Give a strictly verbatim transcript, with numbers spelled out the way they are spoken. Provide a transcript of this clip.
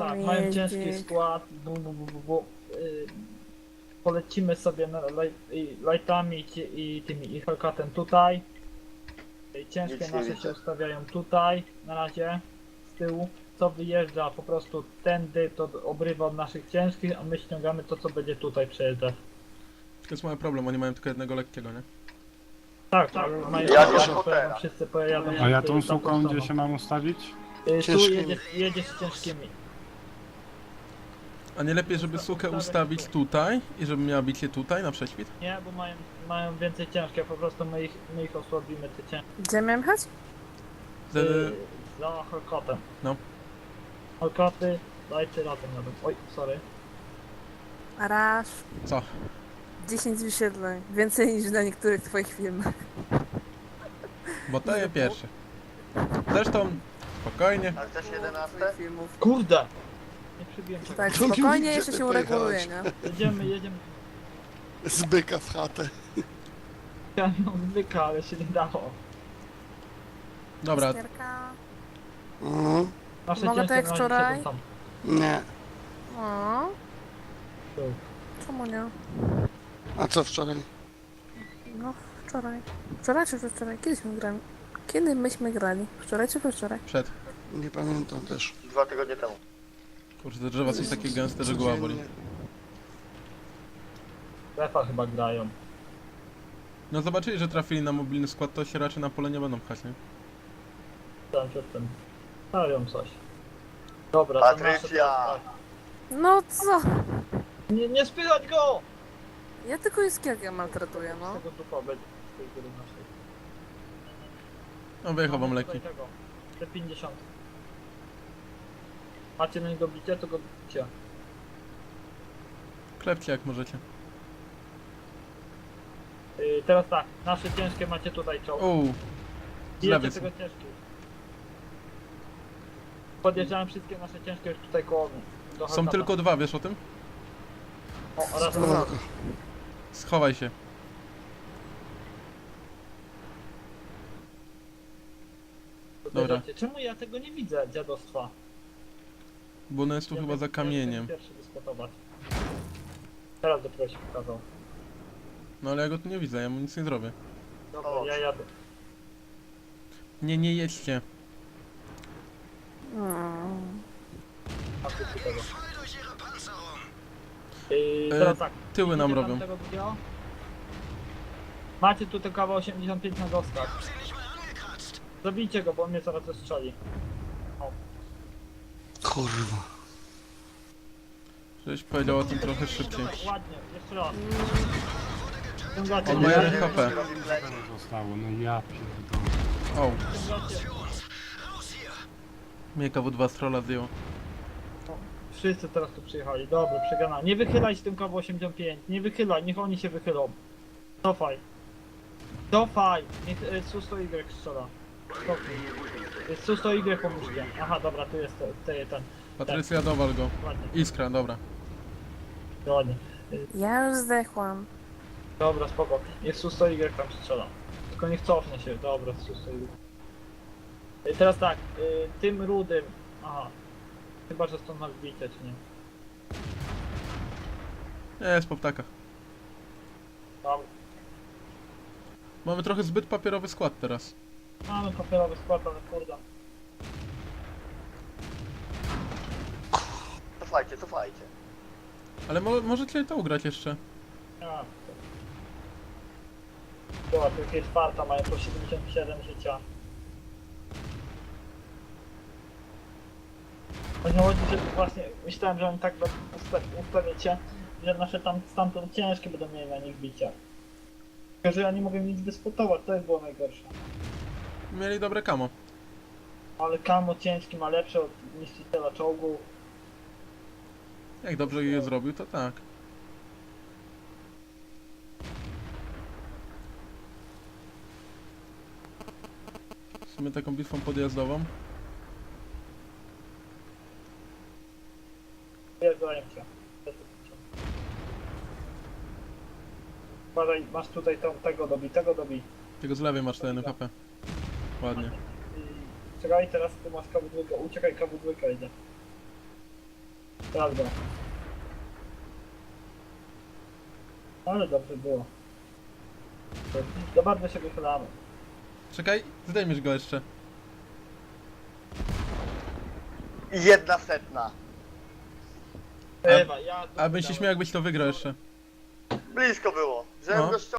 tak, mają Jeździk. ciężki skład, bu, bu, bu, bu, bu. Yy, polecimy sobie na laj, i lightami i, ci- i tymi i Hellcatem tutaj. Yy, Ciężkie Nic nie nasze widzę. się ustawiają tutaj, na razie, z tyłu. Co wyjeżdża po prostu tędy, to obrywa od naszych ciężkich, a my ściągamy to, co będzie tutaj przejeżdżać. To jest mały problem, oni mają tylko jednego lekkiego, nie? Tak, tak, mają Ja tak, nie że Hootera. wszyscy pojadą. A ja w tą tamtą suką stroną. gdzie się mam ustawić? Yy, Tu Ciężkimi. jedziesz, jedziesz z ciężkimi. A nie lepiej, żeby sukę ustawić tutaj i żeby miała bicie tutaj na prześwit? Nie, bo mają, mają więcej ciężkie, po prostu my ich, my ich osłabimy, te ciężkie. Gdzie miałem jechać? Ze... Yy, za Hellcatem. No. Hellcaty, dajcie razem jadą. Oj, sorry. Raz. Co? dziesięć wyświetleń. Więcej niż na niektórych twoich filmach. Bo to je pierwsze. Zresztą, spokojnie. A chcesz jedenaste? Twoich filmów. Kurde! Nie przybiłem tego. Tak, To mi spokojnie, gdzie jeszcze ty się ureguluje, pojechałeś? nie? Jedziemy, jedziemy. Z byka w chatę. Chciałem ją zwyka, ale się nie dało. Dobra, Stierka. Mhm. Nasze Mogę ciężkie tak jak na razie wczoraj? siedzą tam. Nie. O, Tu. czemu nie? A co wczoraj? No, wczoraj. Wczoraj czy wczoraj? Kiedyśmy grali? Kiedy myśmy grali? Wczoraj czy wczoraj? przed. Nie pamiętam też. Dwa tygodnie temu. Kurczę, te drzewa są takie gęste, że głowa boli. Codziennie. Strefa chyba grają. No zobaczyli, że trafili na mobilny skład, to się raczej na pole nie będą pchać, nie? Tam przed tym. Stawią coś. Dobra, to nasze Patrycja! teraz, No co? tak. Nie, nie spychać go! Ja tylko Iskierkę maltretuję, Z no. tego dupa będzie. Z tej góry naszej. No wyjechał wam Mamy leki. tutaj tego. Te pięćdziesiąt. Macie na niego bicie, to go bicie. Klepcie jak możecie. Yy, teraz tak, nasze ciężkie macie tutaj czoło. Uuu, z Bijecie lewej są. tego ciężkiego. Podjeżdżałem wszystkie nasze ciężkie już tutaj koło mnie. Do Są Hellcata. tylko dwa, wiesz o tym? O, oraz Spoko. Schowaj się. Dobra. Dobra. Czemu ja tego nie widzę, dziadostwa? Bo ona jest tu Ja chyba bym- za ja bym kamieniem. Pierwszy dyskutować. Teraz dopiero się pokazał. No ale ja go tu nie widzę, ja mu nic nie zrobię. Dobra, O. ja jadę. Nie, nie jedźcie. Mm. A ty tu tego. Yy, E, teraz tak. Tyły nam idziecie tam robią. tego drugiego? Macie tu tylko osiemdziesiąt pięć na dostach. Zabijcie go, bo on mnie zaraz zestrzeli. Kurwa. Żebyś powiedział o tym trochę szybciej. Ładnie, jeszcze raz. Ciągacie, On ma nie? jeden H P. Zostało, no ja pierdolę. O, Ciągacie. mnie K W dwa z trolla zdjęło. Wszyscy teraz tu przyjechali. Dobra, przegrana. Nie wychylaj się tym K W osiemdziesiąt pięć. Nie wychylaj, niech oni się wychylą. Cofaj. Cofaj. Niech y, Susto Y strzela. Cofnij. Y, Susto Y pomóżcie. Aha, dobra, tu jest te- te- ten. Patrycja, dowal go. Ładnie, Iskra, dobra. ładnie. Ja już zdechłam. Dobra, spoko. Niech Susto Y tam strzela. Tylko niech cofnie się. Dobra, Susto Y. Y, Teraz tak, y, tym rudym. Aha. Chyba, że stąd masz bite, czy nie? Nie, jest po ptakach. Tam. Mamy trochę zbyt papierowy skład teraz. Mamy papierowy skład, ale kurde. Cofajcie, cofajcie. Ale mo możecie to ugrać jeszcze. A, była tu jakieś czwarta, mają po siedemdziesiąt siedem życia. Chodzi o to, że właśnie myślałem, że oni tak usta ustawiacie, że nasze tam stamtąd ciężkie będą mieli na nich bicia. Tylko, że ja nie mogę nic dyskutować, to jest było najgorsze. Mieli dobre kamo. Ale Kamo ciężki ma lepsze od niszczyciela czołgu. Jak dobrze je zrobił, to tak. W sumie taką bitwą podjazdową. Wjeżdżają cię. Uważaj, masz tutaj tą, tego dobi, tego dobi. Tego z lewej masz ten H P. Ładnie. I czekaj, teraz tu masz K W dwa, uciekaj, K W dwa idzie. Prawda. Ale dobrze było. To bardzo się wychylamy. Czekaj, zdejmiesz go jeszcze. Jedna setna. Ewa, ja... A bym się śmiał, jakbyś to wygrał jeszcze. Blisko było. Żebym No. go ściągnął.